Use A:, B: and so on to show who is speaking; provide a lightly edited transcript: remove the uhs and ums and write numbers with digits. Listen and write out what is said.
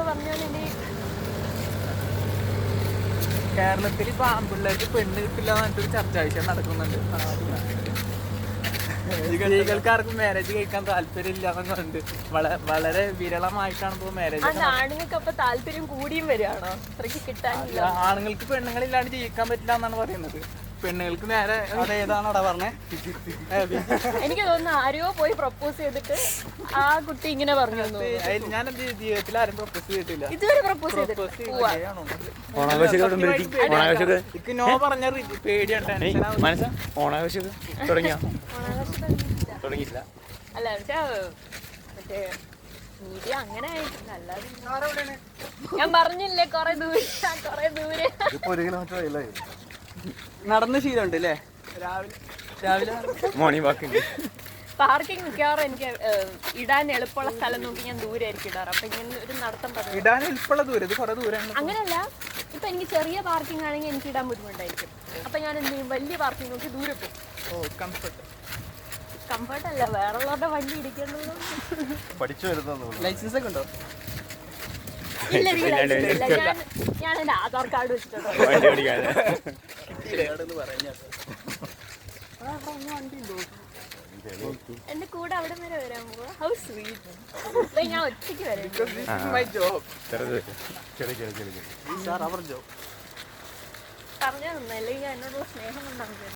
A: പറഞ്ഞോളി.
B: കേരളത്തിൽ ഇപ്പൊ ആൺപിള്ളേർക്ക് പെണ്ണ് കിട്ടില്ല എന്നിട്ടൊരു ചർച്ചാ വിഷയം നടക്കുന്നുണ്ട്. സ്ത്രീകൾക്കാർക്കും മാരേജ് കഴിക്കാൻ താല്പര്യമില്ല എന്നുണ്ട്. വളരെ വിരളമായിട്ടാണ് ഇപ്പൊ മാരേജ്.
A: ആണുങ്ങൾക്ക് അപ്പൊ താല്പര്യം കൂടിയും വരികയാണോ? അത്രയ്ക്ക് കിട്ടാനില്ല.
B: ആണുങ്ങൾക്ക് പെണ്ണുങ്ങളില്ലാണ്ട് ജീവിക്കാൻ പറ്റില്ല എന്നാണ് പറയുന്നത്. പെണ്ണുങ്ങൾക്ക് നേരെ
C: അതേതാണോടാ പറഞ്ഞേ?
A: എനിക്ക് തോന്നുന്നു ആരെയോ പോയി പ്രപ്പോസ് ചെയ്തിട്ട് ആ കുട്ടി ഇങ്ങനെ പറഞ്ഞു.
B: ഞാൻ എന്റെ ജീവിതത്തിൽ ആരും പ്രപ്പോസ് ചെയ്തിട്ടില്ല
A: ഇതുവരെ. പ്രപ്പോസ് ചെയ്തിട്ട്
B: നോ പറഞ്ഞ പേടിയാണ്.
C: ഓണാഘോഷമൊക്കെ തുടങ്ങിയില്ല.
A: അല്ല മറ്റേ മീഡിയ അങ്ങനെ ആയിട്ടില്ല. അല്ലാതെ ഞാൻ പറഞ്ഞില്ലേ കൊറേ ദൂരെ.
B: നടന്ന് ശീലമുണ്ട് അല്ലേ? രാവിലെ
C: മോർണിംഗ് വാക്കിംഗ്.
A: പാർക്കിംഗ് മിക്കവാറും എനിക്ക് ഇടാൻ എളുപ്പമുള്ള സ്ഥലം നോക്കി ഞാൻ ദൂരെ ആയിരിക്കും ഇടാറ്. അപ്പൊ ഇങ്ങനെ ഒരു നടത്തം പറഞ്ഞു
B: ഇടാൻ എളുപ്പമുള്ള ദൂരം. ഇത് കുറെ ദൂരമാണ്.
A: അങ്ങനെയല്ല, ഇപ്പൊ എനിക്ക് ചെറിയ പാർക്കിംഗ് ആണെങ്കിൽ എനിക്ക് ഇടാൻ ബുദ്ധിമുട്ടായിരിക്കും. അപ്പൊ ഞാൻ എന്ത് ചെയ്യും, വലിയ പാർക്കിംഗ് നോക്കി ദൂരെ പോകും. കംഫർട്ട് അല്ല, വേറെയുള്ളവരുടെ വണ്ടി ഇടിക്കേണ്ടത്.
C: പഠിച്ചു വരുന്നു.
B: ലൈസൻസ് ഒക്കെ ഉണ്ടോ?
A: ഇല്ല, ഞാൻ എന്റെ ആധാർ കാർഡ് വെച്ചിട്ടുണ്ടോ. എന്റെ കൂടെ അവിടെ വരെ വരാൻ പോവാ. How sweet. ഞാൻ ഒറ്റയ്ക്ക് വരാം. പറഞ്ഞാൽ നന്നല്ലേ, എന്നോടുള്ള സ്നേഹം കൊണ്ടാണ്.